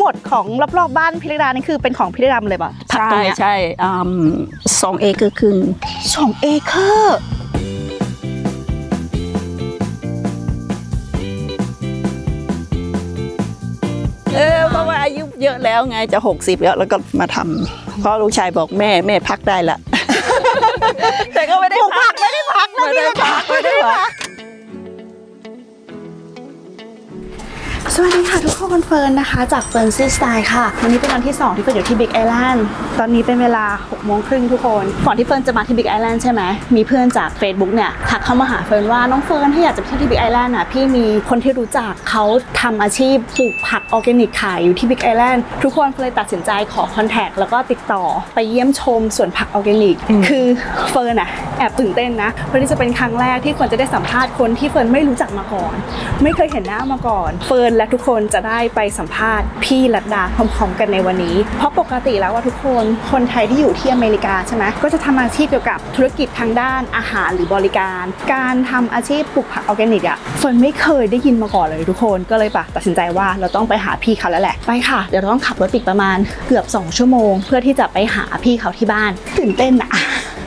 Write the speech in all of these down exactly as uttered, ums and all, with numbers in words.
ดของรอบๆบ้านพี่ระดานี่คือเป็นของพี่ระดาเลยป่ะใช่ใช่สองเอเคอร์ครึ่งสองเอเคอร์เออเพราะว่าอายุเยอะแล้วไงจะหกสิบแล้วแล้วก็มาทำเพราะลูกชายบอกแม่แม่พักได้ละแต่ก็ไม่ได้พักไม่ได้พักไม่ได้พักไม่ได้พักสวัสดีค่ะทุกคนเฟิร์นนะคะจากเฟิร์นซีสไตล์ค่ะวันนี้เป็นวันที่สองที่เฟิร์นอยู่ที่บิ๊กไอแลนด์ตอนนี้เป็นเวลาหกโมงครึ่งทุกคนก่อนที่เฟิร์นจะมาที่บิ๊กไอแลนด์ใช่ไหมมีเพื่อนจาก Facebook เนี่ยทักเข้ามาหาเฟิร์นว่าน้องเฟิร์นถ้าอยากจะไปเที่ยวที่บิ๊กไอแลนด์อ่ะพี่มีคนที่รู้จักเขาทำอาชีพปลูกผักออร์แกนิกขายอยู่ที่บิ๊กไอแลนด์ทุกคนเลยตัดสินใจขอคอนแทคแล้วก็ติดต่อไปเยี่ยมชมสวนผักออร์แกนิกคือเฟิร์นอ่ะแอบตื่นเต้นนะเพราะนี่จะเป็นครั้งแรกที่เฟิร์นจะได้สัมภาษณ์คนที่เฟิร์นไม่รู้จักมาก่อนไม่เคยเห็นหน้ามาก่อนเฟิร์นและทุกคนจะได้ไปสัมภาษณ์พี่รัตดาพร้อมๆกันในวันนี้เพราะปกติแล้วว่าทุกคนคนไทยที่อยู่ที่อเมริกาใช่ไหมก็จะทำอาชีพเกี่ยวกับธุรกิจทางด้านอาหารหรือบริการการทำอาชีพปลูกผักออร์แกนิกอ่ะเฟิร์นไม่เคยได้ยินมาก่อนเลยทุกคนก็เลยปะตัดสินใจว่าเราต้องไปหาพี่เขาแล้วแหละไปค่ะเดี๋ยวเราต้องขับรถอีกประมาณเกือบสองชั่วโมงเพื่อที่จะไปหาพี่เขาที่บ้านตื่นเต้นอะ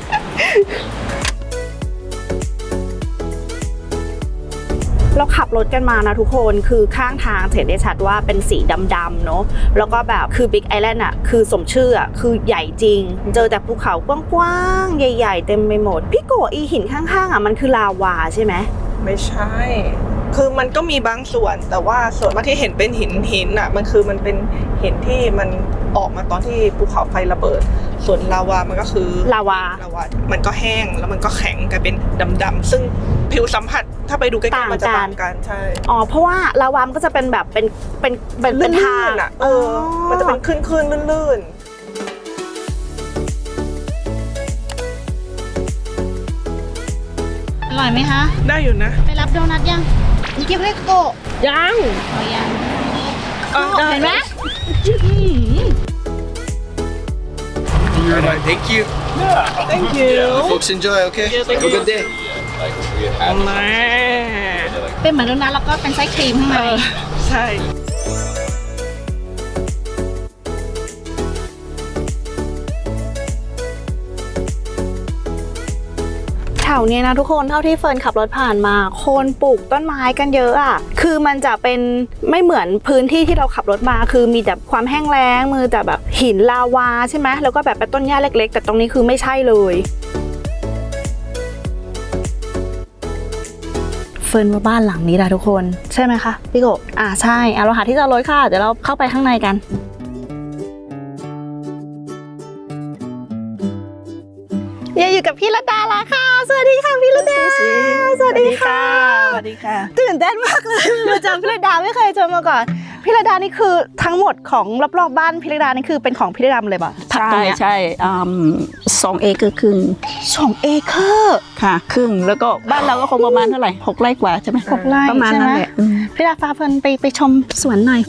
เราขับรถกันมานะทุกคนคือข้างทางเห็นได้ชัดว่าเป็นสีดำๆเนาะแล้วก็แบบคือบิ๊กไอแลนด์อ่ะคือสมชื่ออ่ะคือใหญ่จริงเจอแต่ภูเขากว้างๆใหญ่ๆเต็มไปหมดพี่โกอีหินข้างๆอ่ะมันคือลาวาใช่ไหมไม่ใช่คือมันก็มีบางส่วนแต่ว่าส่วนมากที่เห็นเป็นหินหินอ่ะมันคือมันเป็นหินที่มันออกมาตอนที่ภูเขาไฟระเบิดส่วนลาวามันก็คือลาวาลาวามันก็แห้งแล้วมันก็แข็งกลายเป็นดำๆซึ่งผิวสัมผัสถ้าไปดูใกล้ๆมันจะต่างกันใช่อ๋อเพราะว่าลาวามันก็จะเป็นแบบเป็นเป็นเป็นเป็นทางอ่ะเออมันจะเป็นคลื่นๆลื่นอร่อยไหมคะได้อยู่นะไปรับโดนัทยังนี่กินได้โกยังอ๋อยังเห็นไหม Alright, thank you. Yeah, thank you. You folks enjoy, okay? Yeah, thank Have a you. good day. เป็นเหมือนโดนัทแล้วก็เป็นไส้ครีมข้างในใช่แถวนี้นะทุกคนเท่าที่เฟิร์นขับรถผ่านมาคนปลูกต้นไม้กันเยอะอ่ะคือมันจะเป็นไม่เหมือนพื้นที่ที่เราขับรถมาคือมีแต่ความแห้งแล้งมือแต่แบบหินลาวาใช่ไหมแล้วก็แบบเป็นต้นหญ้าเล็กๆแต่ตรงนี้คือไม่ใช่เลยเฟิร์นว่าบ้านหลังนี้แหละทุกคนใช่ไหมคะพี่โกอ่าใช่เอาเราหาที่จอดรถค่ะเดี๋ยวเราเข้าไปข้างในกันอยู่กับพี่ระดาละค่ะสวัสดีค่ะพี่ระดาสวัสดีค่ะสวัสดีค่ะตื่นเต้นมากเลยมาเจอพี่ระดาไม่เคยเจอมาก่อนพี่ระดานี่คือทั้งหมดของรอบๆบ้านพี่ระดานี่คือเป็นของพี่ระดาเลยป่ะใช่ใช่สองเอเคอร์ครึ่งสองเอเคอร์ค่ะครึ่งแล้วก็บ้านเราก็คงประมาณเท่าไหร่หกไร่กว่าใช่ไหมหกไร่ประมาณนั้นแหละพี่ระดาฟ้าเฟิร์นไปไปชมสวนหน่อย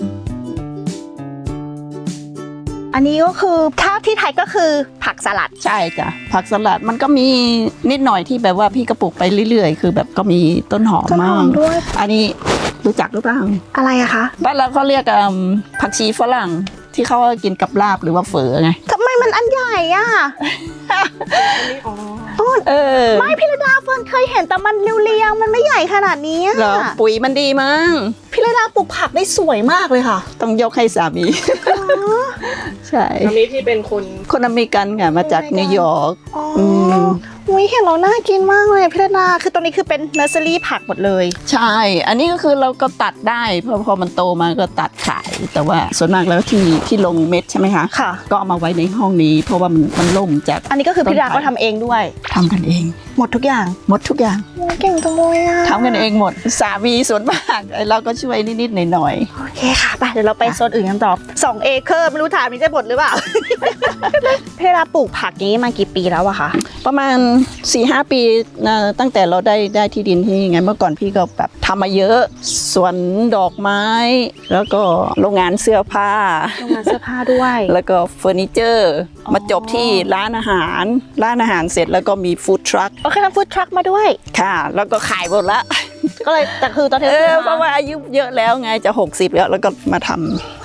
อันนี้ก็คือถ้าที่ไทยก็คือผักสลัดใช่จ้ะผักสลัดมันก็มีนิดหน่อยที่แบบว่าพี่กระปุกไปเรื่อยๆคือแบบก็มีต้นหอมมากด้วยอันนี้รู้จักหรือเปล่าอะไรอะคะบ้านเราเขาเรียกผักชีฝรั่งที่เขากินกับลาบหรือว่าเฝอไงทำไมมันอันใหญ่อะอันนี้อ๋อเออไม่พี่ระดาเฟิร์นเคยเห็นแต่มันเรียวๆมันไม่ใหญ่ขนาดนี้เหรอปุ๋ยมันดีมั้งพี่ระดาปลูกผักได้สวยมากเลยค่ะต้องยกให้สามีใช่อันนี้ที่เป็นคนคนอเมริกันค่ะมาจากนิวยอร์กอืมอุ้ยเห็นเราน่ากินมากเลยพี่ระดาคือตรงนี้คือเป็นเนอร์เซอรี่ผักหมดเลยใช่อันนี้ก็คือเราก็ตัดได้พอพอมันโตมาก็ตัดขายแต่ว่าส่วนมากแล้วที่ที่ลงเม็ดใช่ไหมคะค่ะก็เอามาไว้ในห้องนี้เพราะว่ามันมันล่มจากอันนี้ก็คือพี่ระดาก็ทำเองด้วยทำกันเองหมดทุกอย่างหมดทุกอย่างเก่งจังเลยอะทำกันเองหมดสามีส่วนมากเราก็ช่วยนิดๆหน่อยๆโอเคค่ะไปเดี๋ยวเราไปโซนอื่นกันต่อสองเอเคอร์ไม่รู้ถามมีจะหมดหรือเปล่าพี่ระดาปลูกผักนี้มากี่ปีแล้วอะคะประมาณ สี่ห้า ปีนะตั้งแต่เราได้ได้ที่ดินที่ไงเมื่อก่อนพี่ก็แบบทำมาเยอะสวนดอกไม้แล้วก็โรงงานเสื้อผ้าโรงงานเสื้อผ้าด้วยแล้วก็เฟอร์นิเจอร์มาจบที่ร้านอาหารร้านอาหารเสร็จแล้วก็มีฟู้ดทรัคโอเคทำฟู้ดทรัคมาด้วยค่ะแล้วก็ขายหมดละก็เลยแต่คือตอนนี้เพราะว่าอายุเยอะแล้วไงจะหกสิบแล้วแล้วก็มาทำ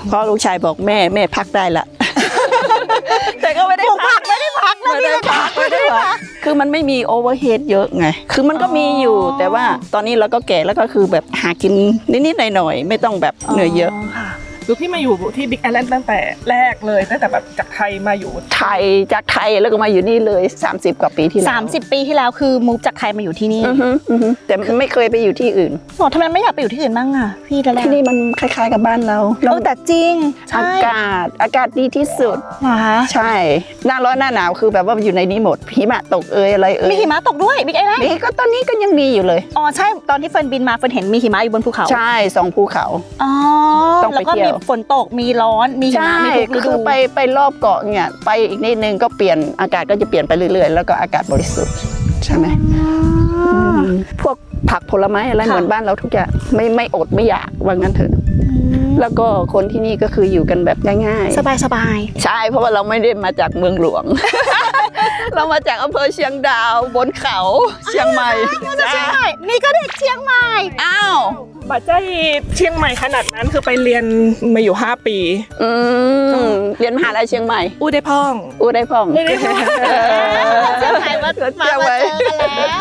เพราะลูกชายบอกแม่แม่พักได้ละ แต่ก็ไม่ได้พักไม่ได้พักไม่ได้พักไม่ได้พักคือมันไม่มีโอเวอร์เฮดเยอะไงคือมันก็มีอยู่แต่ว่าตอนนี้เราก็แก่แล้วก็คือแบบหากินนิดๆหน่อยๆไม่ต้องแบบเหนื่อยเยอะค่ะคือพี่มาอยู่ที่บิ๊กไอแลนด์ตั้งแต่แรกเลยตั้งแต่แบบจากไทยมาอยู่ไทยจากไทยแล้วก็มาอยู่นี่เลยสามสิบกว่าปีที่แล้วสามสิบปีที่แล้วคือมูฟจากไทยมาอยู่ที่นี่อือฮึอือฮึแต่ไม่เคยไปอยู่ที่อื่นโอ้ทำไมไม่อยากไปอยู่ที่อื่นบ้างอ่ะพี่ดาราที่นี่มันคล้ายๆกับบ้านเราเออแต่จริงใช่อากาศอากาศดีที่สุดเหรอคะใช่หน้าร้อนหน้าหนาวคือแบบว่าอยู่ในนี้หมดหิมะตกเอยอะไรเอยมีหิมะตกด้วยบิ๊กไอแลนด์นี่ก็ตอนนี้ก็ยังมีอยู่เลยอ๋อใช่ตอนที่เฟิร์นบินมาเฟิร์นเห็นมีหิมะอยู่บนภูเขาใช่สองภูเขาอ๋อต้องไปแล้วก็เที่มียวฝนตกมีร้อนมีหิมะใช่มีทุกฤคืดูอไปไปรอบเกาะเนี่ยไปอีกนิดนึงก็เปลี่ยนอากาศก็จะเปลี่ยนไปเรื่อยๆ แล้วก็อากาศบริสุทธิ์ใช่ไหมมพวกผักผลไม้อะไรเหมือนบ้านเราทุกอย่างไม่ไม่อดไม่อยากว่างั้นเถอะแล้วก็คนที่นี่ก็คืออยู่กันแบบง่ายๆสบายสบายใช่เพราะว่าเราไม่ได้มาจากเมืองหลวง เรามาจากอำเภอเชียงดาวบนเขาเชียงใหม่ใช่นี่ก็เด็กเชียงใหม่อ้าวบัจเจ้เชียงใหม่ขนาดนั้นคือไปเรียนมาอยู่ห้าปีอืมเรียนมหาลัยเชียงใหม่อู้ได้พ่องอู้ได้พ่องได้พ่องเชียงใหม่มามามาเจอกันแล้ว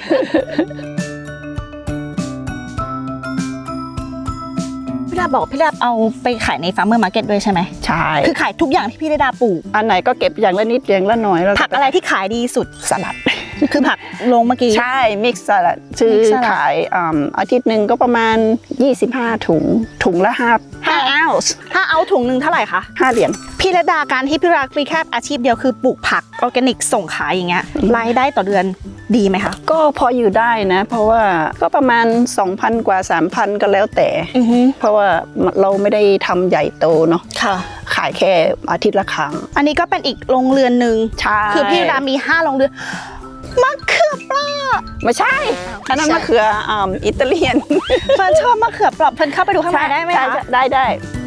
พี่ดาบอกพี่ดาเอาไปขายในฟาร์มเมอร์มาร์เก็ตด้วยใช่ไหมใช่คือขายทุกอย่างที่พี่ดาปลูกอันไหนก็เก็บอย่างละนิดอย่างละหน่อยแล้วผักอะไรที่ขายดีสุดสลัดคือผักลงเมื่อกี้ใช่มิกซ์สลัดชื่อ Mix สลัดขายอ่าอาทิตย์หนึ่งก็ประมาณยี่สิบห้าถุงถุงละห้าห้าห้าออนซ์ถ้าเอาถุงหนึ่งเท่าไหร่คะห้าเหรียญพี่ระดาการที่พี่รักมีแค่อาชีพเดียวคือปลูกผักออร์แกนิกส่งขายอย่างเงี้ยรายได้ต่อเดือนดีไหมคะก็พออยู่ได้นะ เพราะว่าก็ประมาณ สองพัน กว่า สามพัน ก็แล้วแต่อือฮึเพราะว่าเราไม่ได้ทำใหญ่โตเนาะค่ะขายแค่อาทิตย์ละครั้งอันนี้ก็เป็นอีกโรงเรือนหนึ่งใช่คือพี่รามีห้าโรงเรือนมะเขือเปราะไม่ใช่อันนั้นมะเขืออ่าอิตาเลียนเฟิร์นชอบมะเขือเปราะเฟิร์นเข้าไปดูข้างในได้ไหมคะได้ได้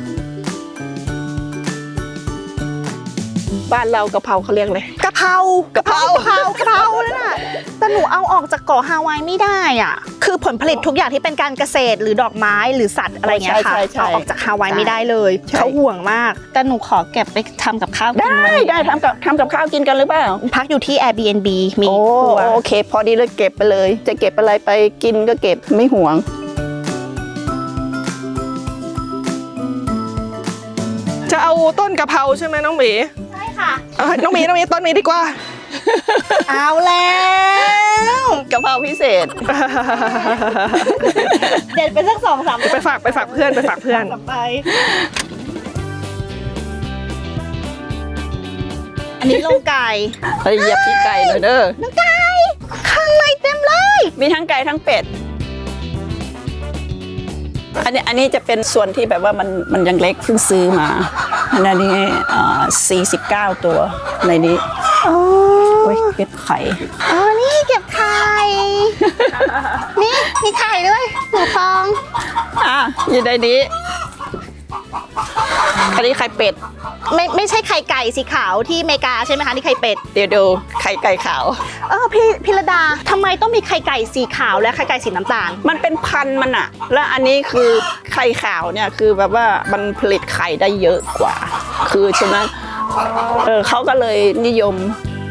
บ้านเรากะเพราเขาเรียกเลยกะเพรากะเพรากะเพรากะเพรานั่นน่ะแต่หนูเอาออกจากเกาะฮาวายไม่ได้อ่ะคือผลผลิตทุกอย่างที่เป็นการเกษตรหรือดอกไม้หรือสัตว์อะไรเงี้ยค่ะเอาออกจากฮาวายไม่ได้เลยเขาห่วงมากแต่หนูขอเก็บไปทำกับข้าวกินได้วันนี้ได้ทำกับทำกับข้าวกินกันหรือเปล่าพักอยู่ที่ Airbnb มีโอ้ครัวโอเค พอดีเลยเก็บไปเลย จะเก็บอะไรไปกินก็เก็บไม่ห่วงจะเอาต้นกะเพราใช่ไหมน้องหมีใช่ค่ะเอาน้องหมีน้องหมีต้นนี้ดีกว่าเอาแล้วกะเพราพิเศษเด็ดไปสักสองสามไปฝากไปฝากเพื่อนไปฝากเพื่อนกลับไป อันนี้ลงไก่เฮ้ยเหยียบพี่ไก่หน่อยเด้อลงไก่ข้างในเต็มเลย มีมีทั้งไก่ทั้งเป็ด อันนี้อันนี้จะเป็นส่วนที่แบบว่ามันมันยังเล็กเพิ่งซื้อมาอันนี้อ่าสี่สิบเก้าตัวในนี้อ๋อโอ้ยเก็บไข่อ๋อนี่เก็บไข่ นี่มีไข่ด้วยหนูฟองอ่ะอยู่ในนี้ อันนี้ไข่เป็ดไม่ไม่ใช่ไข่ไก่สีขาวที่อเมริกาใช่ไหมคะนี่ไข่เป็ดเดี๋ยวดูไข่ไก่ขาวเออพี่พิรดาทำไมต้องมีไข่ไก่สีขาวและไข่ไก่สีน้ำตาลมันเป็นพันธุ์มันอะแล้วอันนี้คือไข่ขาวเนี่ยคือแบบว่ามันผลิตไข่ได้เยอะกว่า คือฉะนั้นเออเขาก็เลยนิยม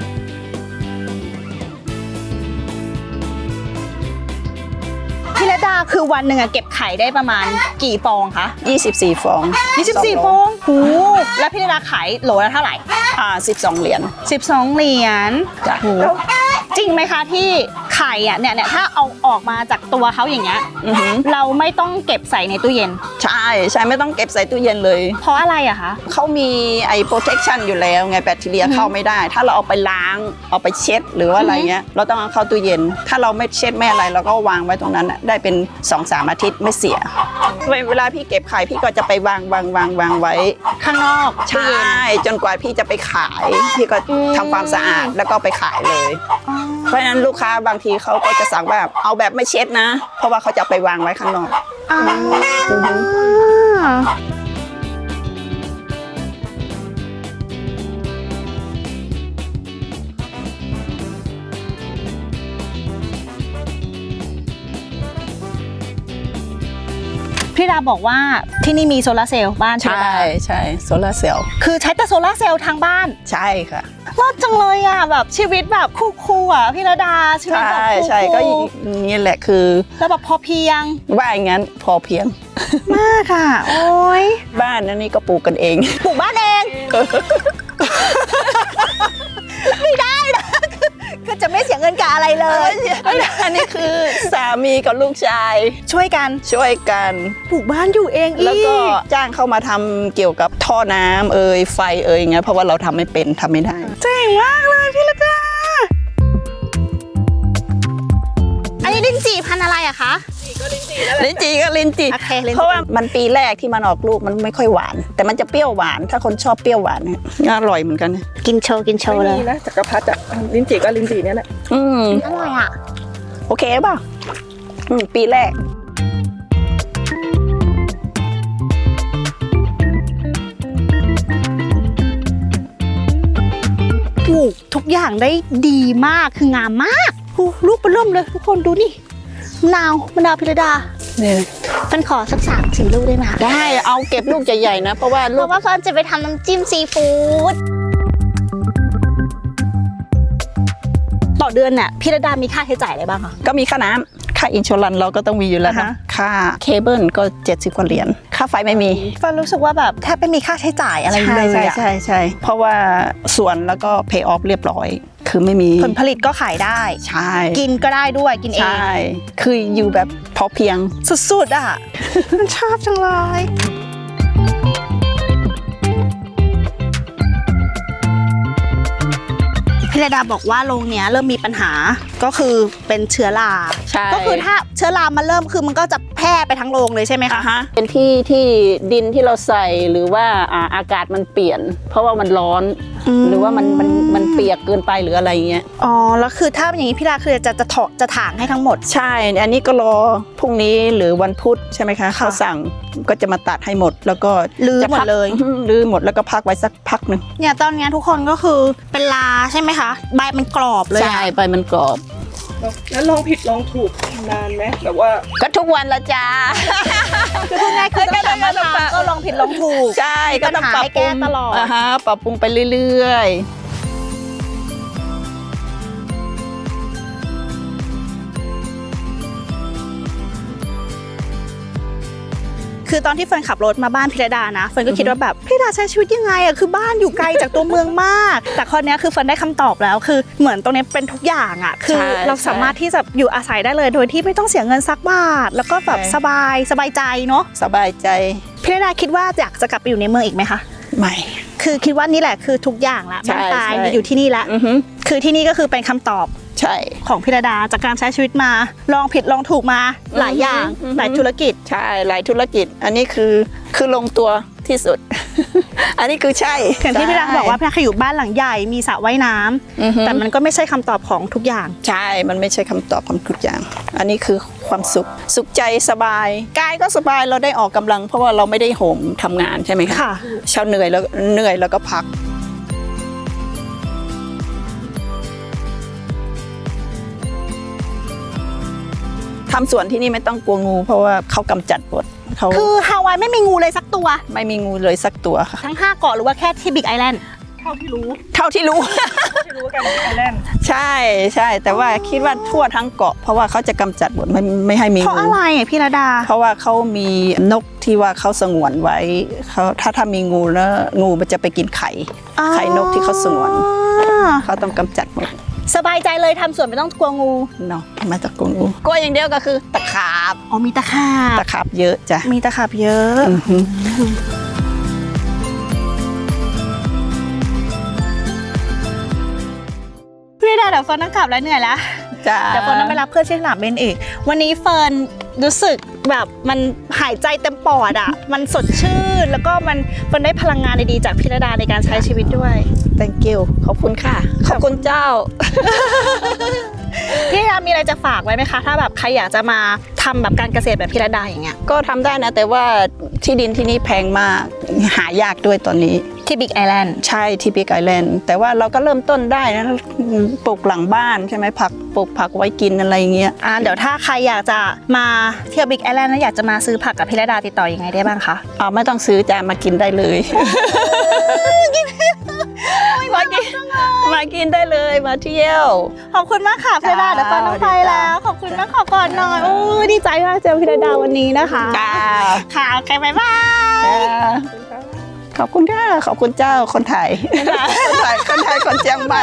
พิรดาคือวันหนึ่งอะเก็บไข่ได้ประมาณกี่ฟองคะยี่สิบสี่ ฟองยี่สิบสี่สฟโลองหูแล้วพิรดาขายโหลละเท่าไหร่อ่าสิบสองเหรียญสิบสองเหรียญจ้ะโหจริงไหมคะที่ไข่อะเนี่ยเนี่ยถ้าเอาออกมาจากตัวเขาอย่างเงี้ยอือหือเราไม่ต้องเก็บใส่ในตู้เย็นใช่ใช่ไม่ต้องเก็บใส่ตู้เย็นเลยเพราะอะไรอะคะเขามีไอ้ protection อยู่แล้วไงแบคทีเรียเข้าไม่ได้ ถ้าเราเอาไปล้างเอาไปเช็ดหรือว่าอะไรเงี้ยเราต้องเอาเข้าตู้เย็น ถ้าเราไม่เช็ดไม่อะไรเราก็วางไว้ตรงนั้นน่ะได้เป็น สองสาม อาทิตย์ไม่เสีย เวลาพี่เก็บไข่พี่ก็จะไปวางวางวางวางไว้ข้างนอกใช่จนกว่าพี่จะไปขาย พี่ก็ทำความสะอาดแล้วก็ไปขายเลยอ๋อเพราะฉะนั้นลูกค้าบางทีเขาก็จะสั่งแบบเอาแบบไม่เช็ดนะ เพราะว่าเขาจะเอาไปวางไว้ข้างนอกอ๋อพี่ดาบอกว่าที่นี่มีโซลาร์เซลล์บ้านพี่ใช่ดาใช่โซลาร์เซลล์คือใช้แต่โซลาร์เซลล์ทางบ้านใช่ค่ะรอดจังเลยอ่ะแบบชีวิตแบบคู่ๆอ่ะพี่ระดาชีวิตใช่แบบคู่ๆใช่ก็อย่างนี้แหละคือแล้วแบบพอเพียงว่าอย่างนั้นพอเพียงมากอ่ะโอ้ยบ้านอันนี้ก็ปลูกกันเองปลูกบ้านเองไม่ได้นะคือจะไม่เสียเงินกับอะไรเลยอันนี้คือสามีกับลูกชายช่วยกันช่วยกันปลูกบ้านอยู่เองอีกแล้วก็จ้างเข้ามาทำเกี่ยวกับท่อน้ำเอ่ยไฟเอ่ยอย่างเงี้ยเพราะว่าเราทำไม่เป็นทำไม่ได้เจ๋งมากเลยพี่ระดาอันนี้ลิ้นจี่พันธุ์อะไรอะคะลิ้นจี่ก็ลิ้นจี่โอเคลิ้นจี่เพราะว่ามันปีแรกที่มันออกลูกมันไม่ค่อยหวาน แต่มันจะเปรี้ยวหวานถ้าคนชอบเปรี้ยวหวานเนี่ยอร่อยเหมือนกันกินโชว์กินโชว์ไม่เลมียนะจักรพรรดิอะลิ้นจี่ก็ลิ้นจี่เนี่ยแหละอืมอร่อยอะโอเคป่ะอืมปีแรกปลูกทุกอย่างได้ดีมากคืองามมากโอ้ลูกเริ่มเลยทุกคนดูนี่มะนาวมะนาวพิรดาเนี่ยเป็นขอสักสามสี่ลูกได้ไหมคะได้เอาเก็บลูกใหญ่ๆนะเพราะว่าเพลูกราะว่าเฟิร์นจะไปทำน้ำจิ้มซีฟู้ดต่อเดือนเนี่ยพิรดามีค่าใช้จ่ายอะไรบ้างคะก็มีค่าน้ำค่าอินชัวรันเราก็ต้องมีอยู่แล้วอ่านะฮะค่าเคเบิลก็เจ็ดสิบกว่าเหรียญค่าไฟไม่มีเฟิร์นรู้สึกว่าแบบแทบไม่มีค่าใช้จ่ายอะไรเลยใช่อะใช่ใช่เพราะว่าสวนแล้วก็ pay off เรียบร้อย คือไม่มีผลผลิตก็ขายได้ใช่กินก็ได้ด้วยกินเองใช่คืออยู่แบบพอเพียงสุดๆอ่ะ มันชอบจังเลยพี่ระดาบอกว่าโรงเนี้ยเริ่มมีปัญหาก็คือเป็นเชื้อราใช่ก็คือถ้าเชื้อรามันเริ่มคือมันก็จะแพร่ไปทั้งโรงเลยใช่ไหมอ่ะคะฮะเป็นที่ที่ดินที่เราใส่หรือว่าอ่าอากาศมันเปลี่ยน เพราะว่ามันร้อนมหรือว่ามันมันมันเปียกเกินไปหรืออะไรเงี้ยอ๋อแล้วคือถ้าอย่างนี้พี่ดาคือจะจะถอจะถางให้ทั้งหมดใช่อันนี้ก็รอพรุ่งนี้หรือวันพุธใช่ไหมคะเขาสั่งก็จะมาตัดให้หมด แล้วก็ลื้อจะหมพัดกเลยอืมลื้อหมดแล้วก็พักไว้สักพักหนึ่งเนี่ยตอนเนี้ยทุกคนก็คือเป็นลาใช่ไหมคะใบมันกรอบเลยใช่อะไปมันกรอบแล้วลองผิดลองถูกนานไหมแบบว่าก็ทุกวันละจ้าคือพูดง่ายคือตั้งแต่มาทำก็ลองผิดลองถูกใช่ก็ต้องปรับปรุให้แก้งตลอดอ่าฮะปรับปรุงไปเรื่อยๆคือตอนที่เฟิร์นขับรถมาบ้านพิรดานะเฟิร์นก็คิดว่าแบบพิรดาใช้ชีวิตยังไงอะคือบ้านอยู่ไกลจากตัวเมืองมาก แต่ข้อเนี้ยคือเฟิร์นได้คำตอบแล้วคือเหมือนตรงเนี้ยเป็นทุกอย่างอะคือใช่เราสามารถที่จะอยู่อาศัยได้เลยโดยที่ไม่ต้องเสียเงินสักบาท แล้วก็แบบใช่สบายสบายใจเนาะสบายใจพิรดาคิดว่าอยากจะกลับไปอยู่ในเมืองอีกไหมคะไม่คือคิดว่านี่แหละคือทุกอย่างละใช่บ้านตายใช่อยู่ที่นี่ละอือฮึคือที่นี่ก็คือเป็นคำตอบใช่ของพิรดาจากการใช้ชีวิตมา ลองผิดลองถูกมาหลายอย่างอือฮึหลายธุรกิจใช่หลายธุรกิจ อันนี้คือคือลงตัวที่สุด อันนี้คือใช่อย่างที่พี่รักบอกว่าพี่รักเคยอยู่บ้านหลังใหญ่มีสระว่ายน้ำอือฮึแต่มันก็ไม่ใช่คำตอบของทุกอย่างใช่ มันไม่ใช่คำตอบของทุกอย่าง อันนี้คือความสุข สุขใจสบาย กายก็สบาย เราได้ออกกำลัง เพราะว่าเราไม่ได้โหมทำงานใช่ไหมคะค่ะเช้าเหนื่อยแล้วเหนื่อยแล้วก็พัก ทำสวนที่นี่ไม่ต้องกลัวงู เพราะว่าเขากำจัดหมดเขาคือฮาวายไม่มีงูเลยสักตัวไม่มีงูเลยสักตัวค่ะทั้งห้าเกาะหรือว่าแค่ที่บิ๊กไอแลนด์เท่าที่รู้เท่าที่รู้ที่รู้กันที่ไอแลนด์ใช่ใช่แต่ว่าคิดว่าทั่วทั้งเกาะ เพราะว่าเขาจะกำจัดหมดไม่ไม่ให้มีเพราะงูอะไรอ่ะพี่ระดาเพราะว่าเขามีนกที่ว่าเขาสงวนไว้เขาถ้าถ้ามีงูแล้วงูมันจะไปกินไข่ ไข่นกที่เขาสงวนอ่าเขาต้องกำจัดหมดสบายใจเลยทำสวนไม่ต้องกลัวงูเนาะมาจากกลัวงูกลัวอย่างเดียวก็คือตะขาบอ๋อมีตะขาบตะขาบเยอะจ้ะมีตะขาบเยอะอือฮึพี่ระดาเดี๋ยวเฟิร์นต้องกลับแล้วเหนื่อยแล้วจ้ะเดี๋ยวเฟิร์นต้องไปรับเพื่อนที่สนามบินอีก วันนี้เฟิร์นรู้สึกแบบมันหายใจเต็มปอดอ่ะ มันสดชื่น แล้วก็มันเฟิร์นได้พลังงานดีๆจากพิรดาในการใช้ชีวิตด้วย thank you ขอบคุณค่ะ ขอบคุณเจ้าพี่ระดามีอะไรจะฝากไว้ไหมคะ ถ้าแบบใครอยากจะมาทำแบบการเกษตรแบบพิรดาอย่างเงี้ยก็ทำได้นะ แต่ว่าที่ดินที่นี่แพงมาก หายากด้วยตอนนี้ที่บิ๊กไอแลนด์ใช่ที่บิ๊กไอแลนด์แต่ว่าเราก็เริ่มต้นได้นะปลูกหลังบ้านใช่ไหมผักปลูกผักไว้กินอะไรอย่างเงี้ยอ่าเดี๋ยวถ้าใครอยากจะมาเที่ยวบิ๊กไอแลนด์แล้วอยากจะมาซื้อผักกับพี่ระดาติดต่อยังไงได้บ้างคะอ๋อไม่ต้องซื้อจ้ะมากินได้เลย มากินมากินได้เลยมาเที่ยวขอบคุณมากค่ะพี่ระดาจ้าเดี๋ยวเฟิร์นต้องไปแล้ว ขอบคุณมากขอกอดหน่อยโอ้ยดีใจมากเจอพี่ระดาวันนี้นะคะจ้าค่ะโอเคบ๊ายบายจ้าขอบคุณค่ะขอบคุณเจ้าคนไทยคนไทยคนไทยคนเชียงใหม่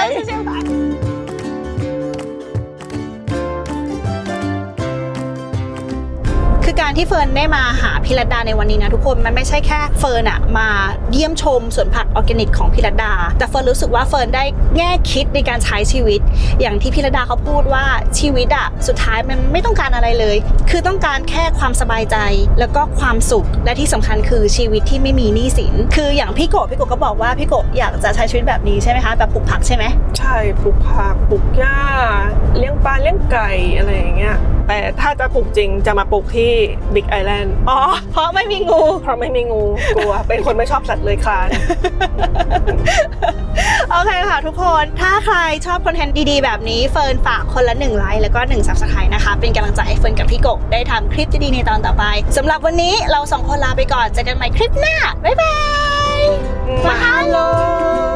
คือการที่เฟิร์นได้มาหาพี่รัตดาในวันนี้นะทุกคนมันไม่ใช่แค่เฟิร์นอะมาเยี่ยมชมสวนผักออร์แกนิกของพี่รัตดาแต่เฟิร์นรู้สึกว่าเฟิร์นได้แง่คิดในการใช้ชีวิต อย่างที่พี่รัตดาเขาพูดว่าชีวิตอะสุดท้ายมันไม่ต้องการอะไรเลย คือต้องการแค่ความสบายใจแล้วก็ความสุขและที่สำคัญคือชีวิตที่ไม่มีหนี้สินคืออย่างพี่โกะพี่โกะก็บอกว่าพี่โกะอยากจะใช้ชีวิตแบบนี้ใช่ไหมคะแบบปลูกผักใช่ไหมใช่ปลูกผักปลูกหญ้าเลี้ยงปลาเลี้ยงไก่อะไรอย่างเงี้ยแต่ถ้าจะปลูกจริงจะมาปลูกที่บิ๊กไอแลนด์อ๋อเพราะไม่มีงูเพราะไม่มีงูกลัว เป็นคนไม่ชอบสัตว์เลยคลานโอเคค่ะทุกคนถ้าใครชอบคอนเทนต์ดีๆแบบนี้เฟิร์นฝากคนละหนึ่งไลค์แล้วก็หนึ่ง ซับสไครบ์นะคะเป็นกำลังใจให้เฟิร์นกับพี่โกะได้ทำคลิปดีๆในตอนต่อไปสำหรับวันนี้เราสองคนลาไปก่อนเจอกันใหม่คลิปหน้าบ๊ายบายมาฮัลโหล